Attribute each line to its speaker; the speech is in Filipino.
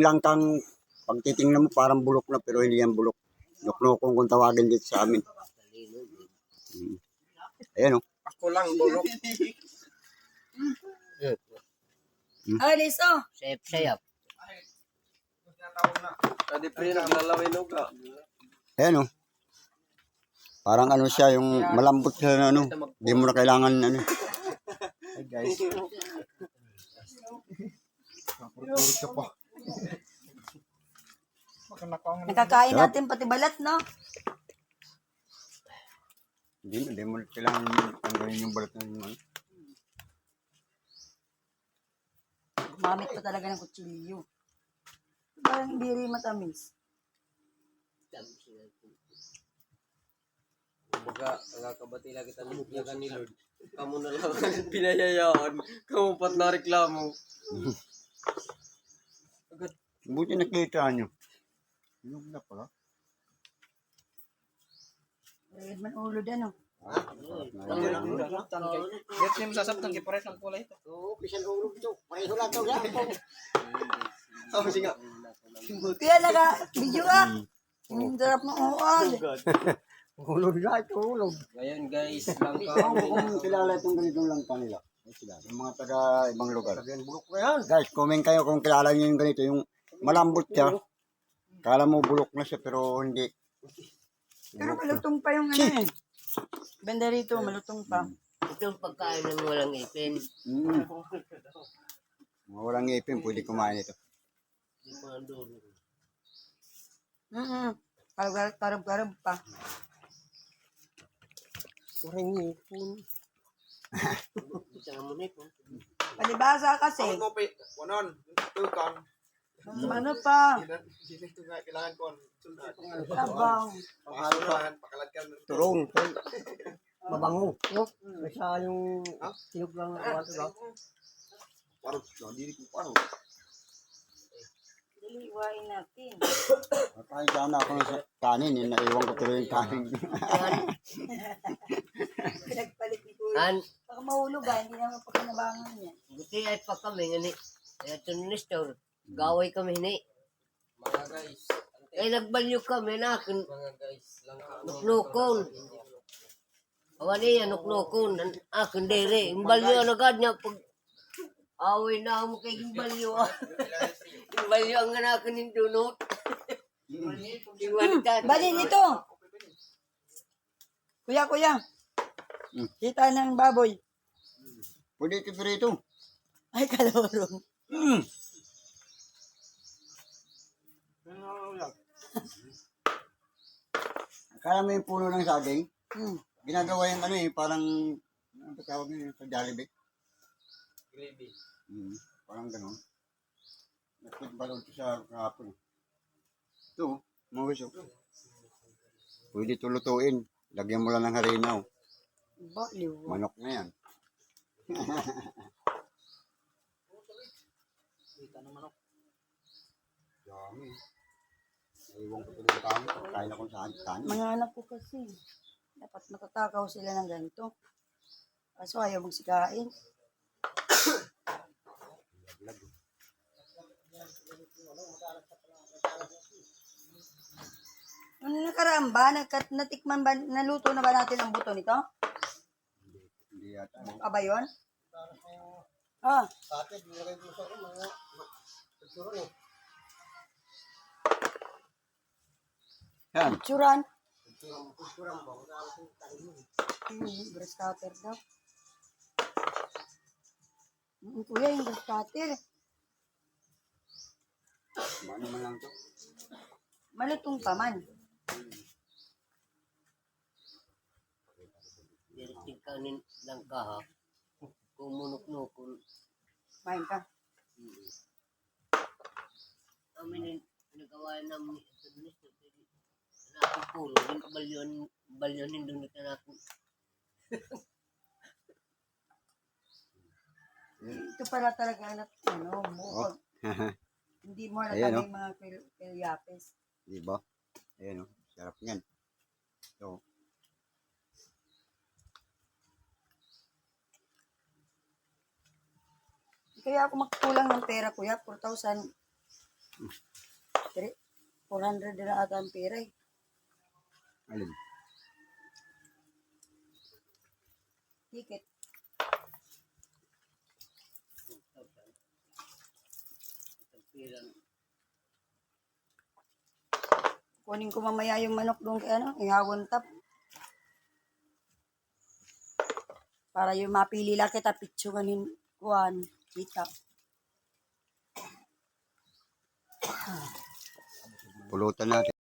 Speaker 1: langkang, pag titingnan mo parang bulok na, pero hindi yan bulok. Nuknukong kung tawagin dito sa amin. Ayan o.
Speaker 2: Ako lang bulok.
Speaker 3: Ay, liso.
Speaker 4: Sayap-sayap.
Speaker 2: Kadi pre naglalawin og ka.
Speaker 1: Ayan o. Parang ano siya, yung malambot siya na ano. Hindi mo na kailangan ano. Hey guys. Napurot ka pa.
Speaker 3: Nakakain natin pati balat, no?
Speaker 1: Hindi mo kailangan tanggalin yung balat ng ano.
Speaker 3: Gumamit pa talaga ng kutsilyo. Parang hindi rin matamis.
Speaker 2: Baga nakakabati lagi ta nugyagan ni Lord. Kamu na lang ang pinayayaan. Kamu pat na reklamo.
Speaker 1: Buti nakita nyo. Yung na pala.
Speaker 3: Red man ulo din, no?
Speaker 2: Get niyo masasabtan kay pares ang kulay ito.
Speaker 4: Oo, pisan ulo ito. Pareho lang ito.
Speaker 2: Oh, sige.
Speaker 3: Kaya video ka. Ang sarap ng uod.
Speaker 1: Hulog na ito, hulog.
Speaker 2: Ngayon guys, langka.
Speaker 1: Kung kilala itong ganitong langka nila. Yung mga taga ibang lugar. Guys, comment kayo kung kilala nyo yung ganito. Yung malambot siya. Kala mo bulok na siya pero hindi.
Speaker 3: Pero malutong pa yung ano eh. Benda rito, malutong pa.
Speaker 4: Ito ang pagkain ng walang ipin.
Speaker 1: Mga walang ngipin, pwede kumain ito.
Speaker 4: Hindi pa nandun.
Speaker 3: Karab-karab pa.
Speaker 4: Parang ngipon. Isang amunit.
Speaker 3: Palibasa kasi.
Speaker 2: Kopi, kunon, tukan.
Speaker 3: Ano pa?
Speaker 2: Sino ito nga kailangan ko?
Speaker 3: Tabang.
Speaker 2: Pakasuhan, pakalagyan.
Speaker 4: Turong. Mabango. Basta yung silog lang ang kawato lang.
Speaker 2: Parang, hindi ko parang.
Speaker 3: Diliwain natin.
Speaker 1: Kahit sana ako sa kanin, naiwan ko tuloy yung kanin.
Speaker 3: Pinagpalit ni Kuya. Baka mahulog ah, hindi naman pagkinabangan niya.
Speaker 4: Buti ay pa kami. Ngani. Kaya ito ni Nestor. Gaway kami hini.
Speaker 2: Mga guys.
Speaker 4: Ay nagbalyo kami na akin.
Speaker 2: Mga guys, langka.
Speaker 4: Nuknukon. Awan niya nuknukon. Akin dere. Imbalyo agad niya pag away na mo kay imbalyo. Imbalyo ang akin ng dunot.
Speaker 3: Balin ito. Kuya. Kita ng baboy.
Speaker 1: Pwede ito dito.
Speaker 3: Ay, kalorong.
Speaker 1: Kaya mo yung puno ng saging,
Speaker 3: Hmm.
Speaker 1: ginagawa yung ano eh, parang, ano ba tawag nyo sa Jollibee?
Speaker 2: Gravy.
Speaker 1: Parang gano'n. Nagpagbalon ko sa kahapon. Ito, mga gusto. Pwede ito lutuin. Lagyan mo lang ng harinaw.
Speaker 3: Baliw.
Speaker 1: Manok na yan. Dami. Naiwan ko tuloy sa kami. Kain akong saan.
Speaker 3: Mga anak ko kasi. Dapat matatakaw sila ng ganito. Kaso ayaw magsikain. Ano nakaraan ba? Natikman ba? Naluto na ba natin ang buto nito?
Speaker 1: Hindi yata.
Speaker 3: Aba yun? Ah,
Speaker 1: Yan.
Speaker 3: tsuran. Grass cutter daw. Kuya, yung grass cutter.
Speaker 1: Ano man lang ito.
Speaker 3: Malutong pa man.
Speaker 4: Direkting kanin lang ka ha. Kung munok-nukon.
Speaker 3: Main ka.
Speaker 4: Amin nagawa namin ito ni Nestor. Nakong pulo. Yung balyon nindun na ako.
Speaker 3: Ito pala talaga anak, ano, mo. Hindi mo
Speaker 1: Ayan,
Speaker 3: natin yung mga kilyapes.
Speaker 1: Diba? Ayan o. Sarap yan. So,
Speaker 3: Kaya ako magkulang ng pera, kuya. 4,000. 400 na ata ang pera eh.
Speaker 1: Alin?
Speaker 3: Ticket. Kunin ko mamaya yung manok doon kay ihawon tap. Para yung mapili lang kita, pitsunganin kuhan, kita.
Speaker 1: Pulutan natin.